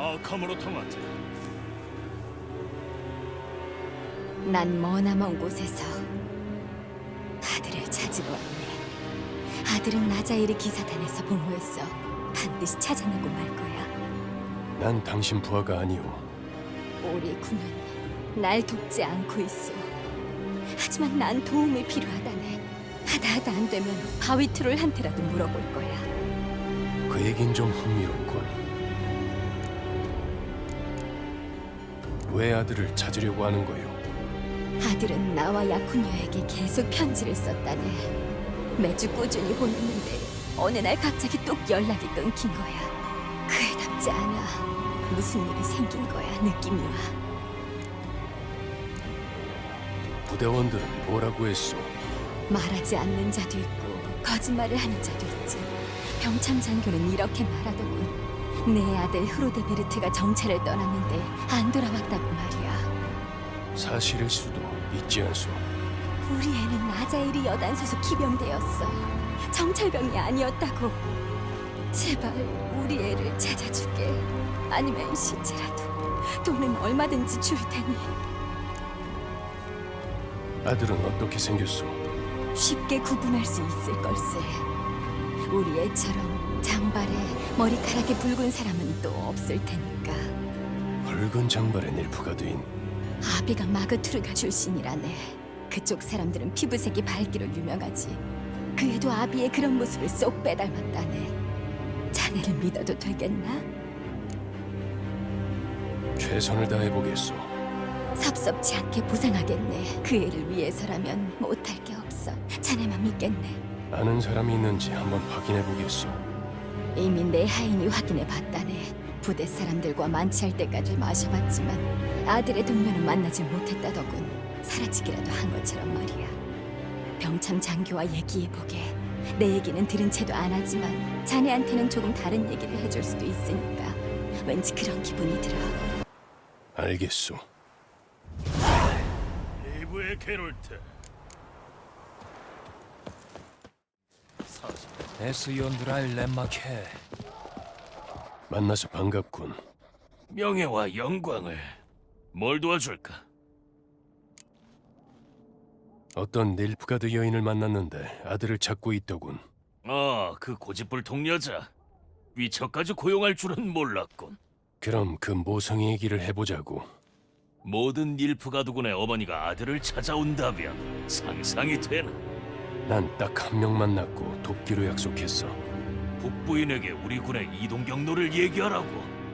아캄으로 통하자. 난 머나먼 곳에서 아들을 찾으러 왔네. 아들은 나자일의 기사단에서 보호했어. 반드시 찾아내고 말 거야. 난 당신 부하가 아니오. 우리 군은 날 돕지 않고 있어. 하지만 난 도움이 필요하다네. 하다 안 되면 바위트롤한테라도 물어볼 거야. 그 얘긴 좀 흥미롭군. 왜 아들을 찾으려고 하는 거요? 아들은 나와 야쿠녀에게 계속 편지를 썼다네. 매주 꾸준히 보냈는데 어느 날 갑자기 뚝 연락이 끊긴 거야. 그애답지 않아. 무슨 일이 생긴 거야. 느낌이 와. 부대원들은 뭐라고 했소? 말하지 않는 자도 있고 거짓말을 하는 자도 있지. 병참 장교는 이렇게 말하더군. 내 아들 흐로데베르트가 정찰을 떠났는데 안 돌아왔다고 말이야. 사실일 수도 있지 않소. 우리 애는 나자일이 여단 소속 기병대였어. 정찰병이 아니었다고. 제발 우리 애를 찾아주게. 아니면 시체라도. 돈은 얼마든지 줄 테니. 아들은 어떻게 생겼소? 쉽게 구분할 수 있을 걸세. 우리 애처럼 장발에 머리카락이 붉은 사람은 또 없을 테니까. 붉은 장발의 닐프가드인. 아비가 마그투르가 출신이라네. 그쪽 사람들은 피부색이 밝기로 유명하지. 그 애도 아비의 그런 모습을 쏙 빼닮았다네. 자네를 믿어도 되겠나? 최선을 다해보겠소. 섭섭지 않게 보상하겠네. 그 애를 위해서라면 못할 게 없어. 자네만 믿겠네. 아는 사람이 있는지 한번 확인해보겠소. 이미 내 하인이 확인해 봤다네. 부대 사람들과 만취할 때까지 마셔봤지만 아들의 동료는 만나질 못했다더군. 사라지기라도 한 것처럼 말이야. 병참 장교와 얘기해보게. 내 얘기는 들은 채도 안 하지만 자네한테는 조금 다른 얘기를 해줄 수도 있으니까. 왠지 그런 기분이 들어. 알겠소. 리브의 게롤트. 에스욘드라일 렘마케. 만나서 반갑군. 명예와 영광을. 뭘 도와줄까? 어떤 닐프가드 여인을 만났는데 아들을 찾고 있더군. 그 고집불통 여자. 위처까지 고용할 줄은 몰랐군. 그럼 그 모성이 얘기를 해보자고. 모든 닐프가드군의 어머니가 아들을 찾아온다면 상상이 되나? 난 딱 한 명 만났고 돕기로 약속했어. 북부인에게 우리 군의 이동 경로를 얘기하라고.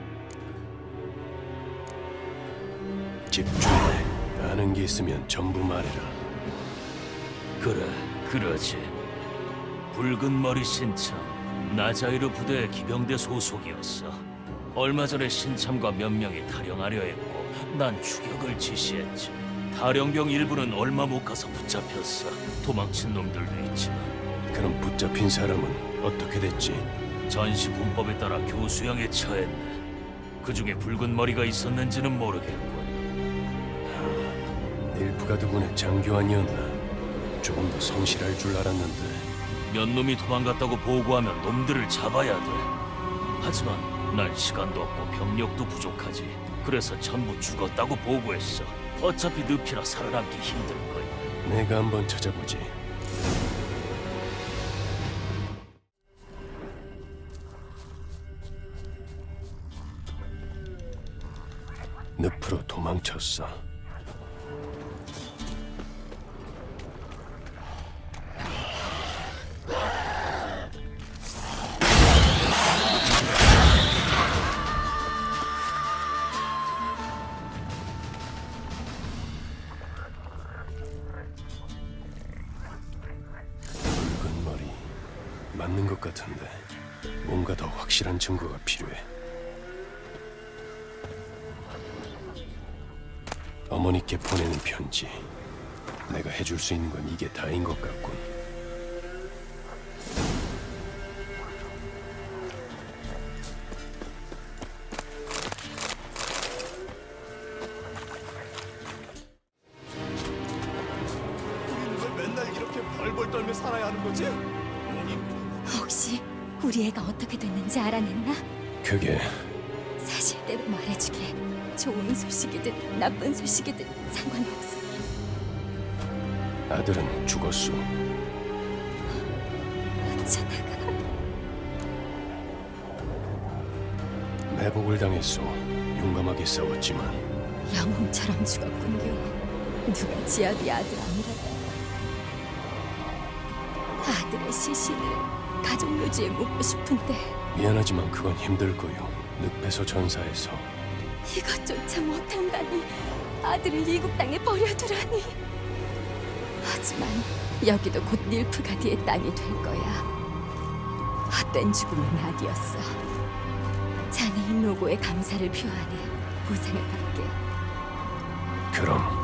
집중해. 아는 게 있으면 전부 말해라. 그래, 그러지. 붉은 머리 신참, 나자이르 부대 기병대 소속이었어. 얼마 전에 신참과 몇 명이 탈영하려 했고 난 추격을 지시했지. 탈영병 일부는 얼마 못 가서 붙잡혔어. 도망친 놈들도 있지만 그럼 붙잡힌 사람은 어떻게 됐지? 전시 군법에 따라 교수형에 처했네. 그 중에 붉은 머리가 있었는지는 모르겠군. 닐프가드군의 장교 아니었나? 조금 더 성실할 줄 알았는데. 몇 놈이 도망갔다고 보고하면 놈들을 잡아야 돼. 하지만 난 시간도 없고 병력도 부족하지. 그래서 전부 죽었다고 보고했어. 어차피 늪이라 살아남기 힘들 거야. 내가 한번 찾아보지. 늪으로 도망쳤어. 붉은 머리 맞는 것 같은데 뭔가 더 확실한 증거가 필요해. 어머니께 보내는 편지. 내가 해줄 수 있는 건 이게 다인 것 같군. 우리는 왜 맨날 이렇게 벌벌 떨며 살아야 하는 거지? 혹시 우리 애가 어떻게 됐는지 알아냈나? 그게 사실대로 말해주게. 좋은 소식이든 나쁜 소식이든 상관없어. 아들은 죽었소. 어쩌다가 매복을 당했소. 용감하게 싸웠지만 영웅처럼 죽었군요. 누가 지아비 아들 아니라다가 아들의 시신을 가족 묘지에 묻고 싶은데 미안하지만 그건 힘들 거요. 늪에서 전사해서 이것조차 못한다니. 아들을 이국 땅에 버려두라니. 하지만 여기도 곧 닐프가디의 땅이 될 거야. 헛된 죽음은 아니었어. 자네인 노고에 감사를 표하는 보상을 받게. 그럼